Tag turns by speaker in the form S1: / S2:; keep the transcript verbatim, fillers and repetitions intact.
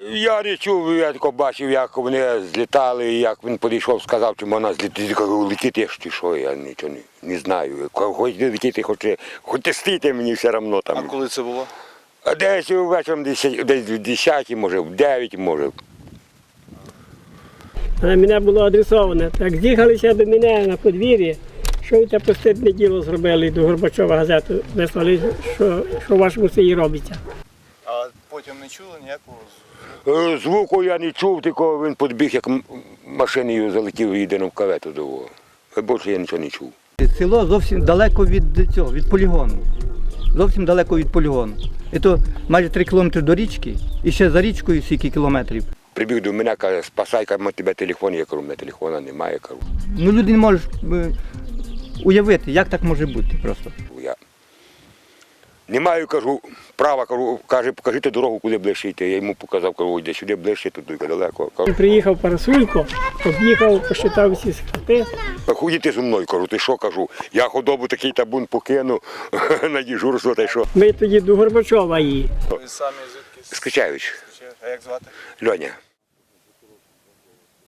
S1: Я не чув, я тільки бачив, як вони злітали, як він підійшов, сказав, чи можна злітати. Я кажу, летіти чи що, я нічого не, не знаю. Хоч летіти, хоч, хоч тестити, мені все одно там.
S2: А коли це було?
S1: А десь вечором, десь в десятій, може, в дев'ятій, може.
S3: А на мене було адресовано. Так з'їхалися до мене на подвір'ї, що ви те постидне діло зробили, до Горбачова газету вислали, що, що в вашому селі робиться.
S2: А потім не чули ніякого?
S1: Е, Звуку я не чув, тільки він підбіг, як м- машиною залетів і йде в кавету до його. Більше я нічого не чув.
S4: Село зовсім далеко від цього, від полігону. Зовсім далеко від полігону. І то майже три кілометри до річки, і ще за річкою скільки кілометрів.
S1: Прибіг до мене, каже, спасай, каже, у тебе телефон, я кажу, у мене телефона немає, кажу.
S4: Ну люди не можуть е, уявити, як так може бути просто.
S1: Я не маю, кажу, права, кажу, каже, покажіть дорогу, куди ближче йти. Я йому показав, кажу, йде сюди ближче, туди далеко. Кажу,
S3: Він приїхав Парасулько, об'їхав, посчитав всі хати.
S1: ходіть зі мною, кажу, ти що, кажу, я худобу такий табун покину на дежурство, та й що.
S3: Ми тоді до Горбачова її.
S2: Ви самі звідки?
S1: Скачаючи,
S2: А як звати?
S1: Льоня.